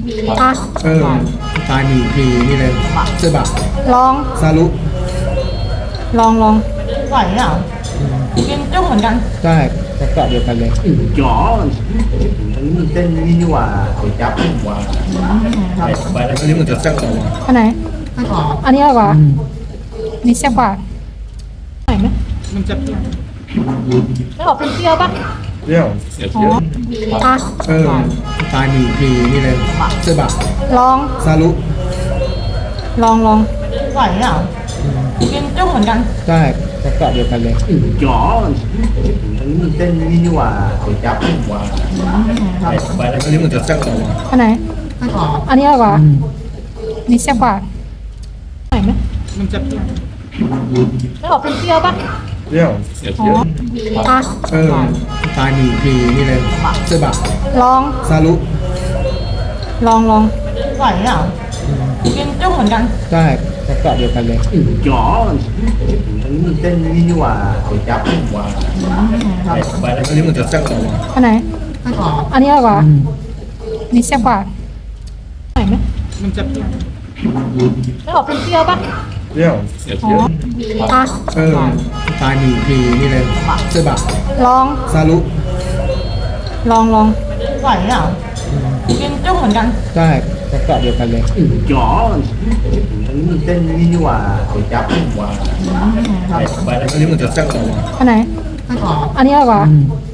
อ่ะตายมีทีนี่เลยเสื้อบักลองซารุลองไหวเหรอกินจุ้งเหมือนกันใช่ประกอบเดียวกันเลยจ๋ออันนี้มันเต้นนี่นี่หว่าเดี๋ยวจับผมว่าไปแล้วอันนี้เหมือนจะแซ่บกว่าอันไหน อันนี้อร่อยกว่าอันนี่แซ่บกว่าไหนไหมมันจะไม่ออกเป็นเปรี้ยวปะเปรี้ยวอ๋ออ่ะตายมีทีนี่เลยเสื้อบักลองซารุลองไหวเหรอกินจุ้งเหมือนกันใช่ประกอบเดียวกันเลยจ๋ออันนี้มันเต้นนี่นี่หว่าเดี๋ยวจับผมว่าไปแล้วอันนี้เหมือนจะแซ่บกว่าอันไหน อันนี้อร่อยกว่าอันนี่แซ่บกว่าไหนไหมมันจะไม่ออกเป็นเปรี้ยวปะเปรี้ยวอ๋ออ่ะตายมีทีนี่เลยเสื้อบักลองซารุลองไหวเหรอกินจุ้งเหมือนกันใช่ประกอบเดียวกันเลยจ๋ออันนี้มันเต้นนี่นี่หว่าเดี๋ยวจับผมว่าไปแล้วอันนี้เหมือนจะแซ่บกว่าอันไหน อันนี้อร่อยกว่าอันนี่แซ่บกว่าไหนไหมมันจะไม่ออกเป็นเปรี้ยวปะเปรี้ยวอ๋ออ่ะตายมีทีนี่เลยเสื้อบักลองซารุลองไหวเหรอกินจุ้งเหมือนกันใช่ประกอบเดียวกันเลยจ๋ออันนี้มันเต้นนี่นี่หว่าเดี๋ยวจับผมว่าไปแล้วอันนี้เหมือนจะแซ่บกว่าอันไหน อันนี้อร่อยกว่า